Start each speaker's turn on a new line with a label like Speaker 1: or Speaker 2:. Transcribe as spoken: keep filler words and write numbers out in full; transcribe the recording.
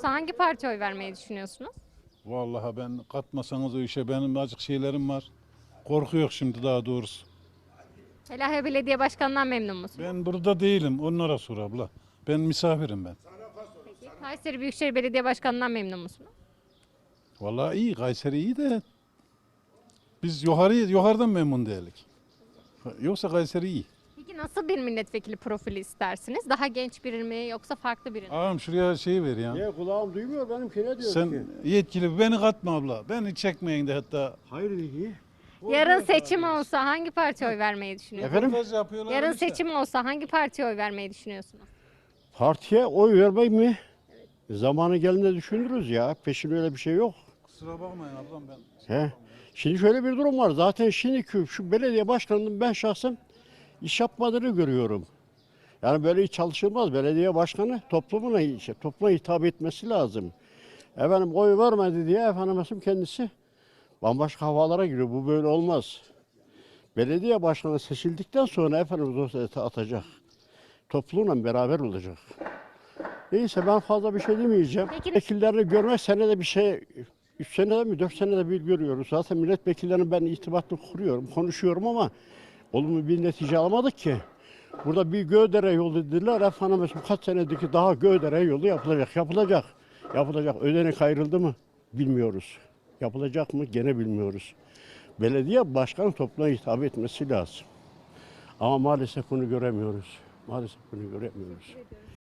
Speaker 1: olsa hangi partiye oy vermeyi düşünüyorsunuz?
Speaker 2: Vallahi ben katmasanız o işe benim azıcık şeylerim var. Korku yok şimdi daha doğrusu.
Speaker 1: Helahya Belediye Başkanı'ndan memnun musunuz?
Speaker 2: Ben burada değilim. Onlara sor abla. Ben misafirim ben.
Speaker 1: Peki, Kayseri Büyükşehir Belediye Başkanı'ndan memnun musunuz?
Speaker 2: Vallahi iyi. Kayseri iyi de biz yukarı, yukarıdan memnun değilik. Yoksa Kayseri iyi.
Speaker 1: Peki nasıl bir milletvekili profili istersiniz? Daha genç biri mi yoksa farklı biri mi?
Speaker 2: Ağam şuraya şey ver ya.
Speaker 3: Niye kulağım duymuyor benimki ne diyor ki?
Speaker 2: Sen yetkili beni katma abla. Beni çekmeyin de hatta.
Speaker 3: Hayır iyi.
Speaker 1: Yarın seçim olsa hangi partiye oy vermeyi düşünüyorsunuz?
Speaker 3: Efendim?
Speaker 2: Röportaj yapıyorlar
Speaker 1: Yarın
Speaker 2: işte.
Speaker 1: seçim olsa hangi partiye oy vermeyi düşünüyorsunuz?
Speaker 3: Partiye oy vermek mi? Zamanı gelince düşünürüz ya. Peşin öyle bir şey yok.
Speaker 2: Kusura bakmayın ablam ben.
Speaker 3: He. Şimdi şöyle bir durum var. Zaten şimdiki şu belediye başkanının ben şahsen iş yapmadığını görüyorum. Yani böyle hiç çalışılmaz. Belediye başkanı toplumuna, işte, topluma hitap etmesi lazım. Efendim oy vermedi diye efendim kendisi bambaşka havalara giriyor. Bu böyle olmaz. Belediye başkanı seçildikten sonra efendim dosyayı atacak. Toplumla beraber olacak. Neyse ben fazla bir şey demeyeceğim.
Speaker 1: Peki-
Speaker 3: Vekillerini görmek senede bir şey, üç senede mi dört senede bir görüyoruz. Zaten milletvekillerini ben irtibatlı kuruyorum, konuşuyorum ama olumlu bir netice alamadık ki. Burada bir Göğdere yolu dediler. Efendim mesela kaç senedeki daha Göğdere yolu yapılacak, yapılacak. Yapılacak. Ödenek ayrıldı mı? Bilmiyoruz. Yapılacak mı? Gene bilmiyoruz. Belediye başkanı topluma hitap etmesi lazım. Ama maalesef bunu göremiyoruz. Maalesef bunu göremiyoruz.